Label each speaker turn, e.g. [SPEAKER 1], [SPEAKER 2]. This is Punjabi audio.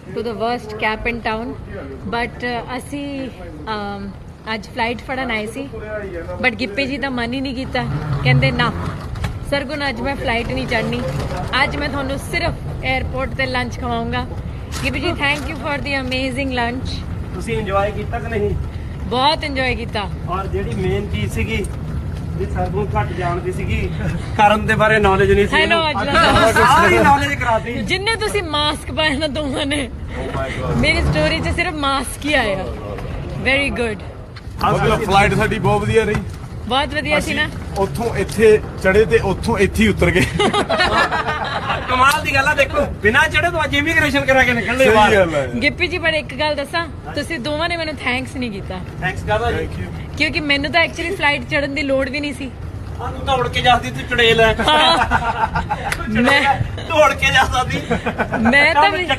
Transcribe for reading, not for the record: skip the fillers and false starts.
[SPEAKER 1] to the worst cap in town. But ਅਸੀਂ ਅੱਜ ਫਲਾਈਟ ਫੜਨ ਆਏ ਸੀ, ਬਟ ਗਿੱਪੀ ਜੀ ਦਾ ਮਨ ਹੀ ਨਹੀਂ ਕੀਤਾ, ਕਹਿੰਦੇ ਨਾ ਸਰਗੁਣ ਅੱਜ ਮੈਂ ਫਲਾਈਟ ਨਹੀਂ ਚੜ੍ਹਨੀ, ਅੱਜ ਮੈਂ ਤੁਹਾਨੂੰ ਸਿਰਫ 에ਅਰਪੋਰਟ ਤੇ ਲੰਚ ਖਵਾਉਂਗਾ। Gippy ji thank you for the amazing lunch.
[SPEAKER 2] ਤੁਸੀਂ ਇੰਜੋਏ ਕੀਤਾ ਕਿ ਨਹੀਂ?
[SPEAKER 1] ਬਹੁਤ ਇੰਜੋਏ ਕੀਤਾ।
[SPEAKER 2] ਔਰ ਜਿਹੜੀ ਮੇਨ ਚੀਜ਼ ਸੀਗੀ ਵੀ ਸਰਗੁਣ ਘੱਟ ਜਾਣਦੀ ਸੀਗੀ, ਕਰਨ ਦੇ ਬਾਰੇ ਨੌਲੇਜ ਨਹੀਂ ਸੀ,
[SPEAKER 1] ਹੈਲੋ
[SPEAKER 2] ਸਾਰੀ ਨੌਲੇਜ ਕਰਾਤੀ।
[SPEAKER 1] ਜਿੰਨੇ ਤੁਸੀਂ ਮਾਸਕ ਪਾਇਆ ਨਾ ਦੋਵਾਂ ਨੇ, ਮੇਰੀ ਸਟੋਰੀ 'ਚ ਸਿਰਫ ਮਾਸਕ ਹੀ ਆਇਆ। Very good.
[SPEAKER 3] ਮਤਲਬ ਫਲਾਈਟ ਸਾਡੀ ਬਹੁਤ ਵਧੀਆ ਰਹੀ,
[SPEAKER 1] ਬਹੁਤ ਵਧੀਆ ਸੀ ਨਾ।
[SPEAKER 3] ਉੱਥੋਂ ਇੱਥੇ ਚੜੇ ਤੇ ਉੱਥੋਂ ਇੱਥੇ ਹੀ ਉਤਰ ਗਏ।
[SPEAKER 2] ਕਮਾਲ ਦੀ ਗੱਲ ਆ, ਦੇਖੋ ਬਿਨਾਂ ਚੜੇ ਤੋਂ ਅੱਜ ਇਮੀਗ੍ਰੇਸ਼ਨ ਕਰਾ ਕੇ ਨਿਕਲਦੇ
[SPEAKER 3] ਸਹੀ
[SPEAKER 2] ਬਾਹਰ।
[SPEAKER 3] ਗੱਲ ਹੈ।
[SPEAKER 1] ਗਿੱਪੀ ਜੀ ਪਰ ਇੱਕ ਗੱਲ ਦੱਸਾਂ, ਤੁਸੀਂ ਦੋਵਾਂ ਨੇ ਮੈਨੂੰ ਥੈਂਕਸ ਨਹੀਂ ਕੀਤਾ,
[SPEAKER 2] ਥੈਂਕਸ ਕਰਦਾ ਜੀ।
[SPEAKER 1] ਕਿਉਂਕਿ ਮੈਨੂੰ ਤਾਂ ਐਕਚੁਅਲੀ ਫਲਾਈਟ ਚੜਨ ਦੀ ਲੋੜ ਵੀ ਨਹੀਂ ਸੀ।
[SPEAKER 2] ਆ ਤੂੰ ਦੌੜ ਕੇ ਜਾਂਦੀ, ਤੂੰ ਚੜੇਲ ਹੈ।
[SPEAKER 1] ਮੈਂ
[SPEAKER 2] ਦੌੜ ਕੇ ਜਾਂਦਾ ਸੀ।
[SPEAKER 1] ਮੈਂ ਤਾਂ